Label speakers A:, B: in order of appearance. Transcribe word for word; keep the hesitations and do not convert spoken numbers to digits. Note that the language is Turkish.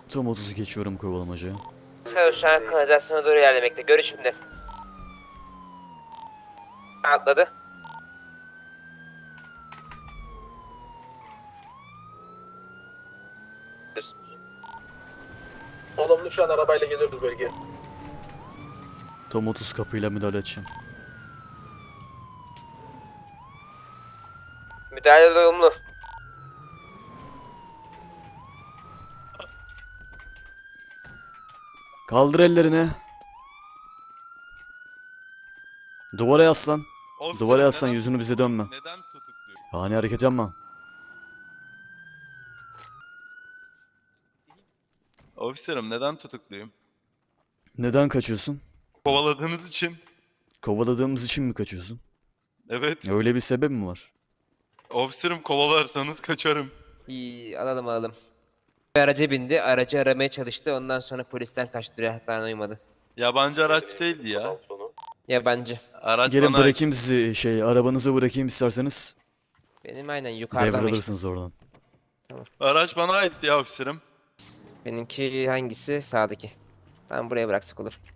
A: Tam otuzu geçiyorum kovalamacaya.
B: Şu an kanalizasyona doğru ilerlemekte. Görüş şimdi. Atladı.
C: Olumlu, şu an arabayla geliyoruz bölgeye.
A: Tam otuz kapıyla müdahale edeceğim.
B: Müdahale olumlu.
A: Kaldır ellerini. Duvara yaslan.
D: Officer'ım,
A: Duvara yaslan,
D: neden
A: yüzünü bize
D: tutukluyor?
A: dönme.
D: Neden tutukluyor?
A: Ani hareket yapma.
D: Officer'ım, neden tutukluyum?
A: Neden kaçıyorsun?
D: Kovaladığınız için.
A: Kovaladığımız için mi kaçıyorsun?
D: Evet.
A: Öyle bir sebep mi var?
D: Officer'ım, kovalarsanız kaçarım.
B: İyi, alalım alalım. Bir araca bindi. Aracı aramaya çalıştı. Ondan sonra polisten kaçtı. Rehatan uymadı.
D: Yabancı araç değildi ya.
B: Yabancı.
D: Araç
A: Gelin
D: bana ait.
A: bırakayım sizi, şey, arabanıza bırakayım isterseniz.
B: Benim aynen yukarıda ama işte.
A: Devralırsınız oradan.
D: Araç bana aitti ya officer'ım.
B: Benimki hangisi? Sağdaki. Tamam, buraya bıraksak olur.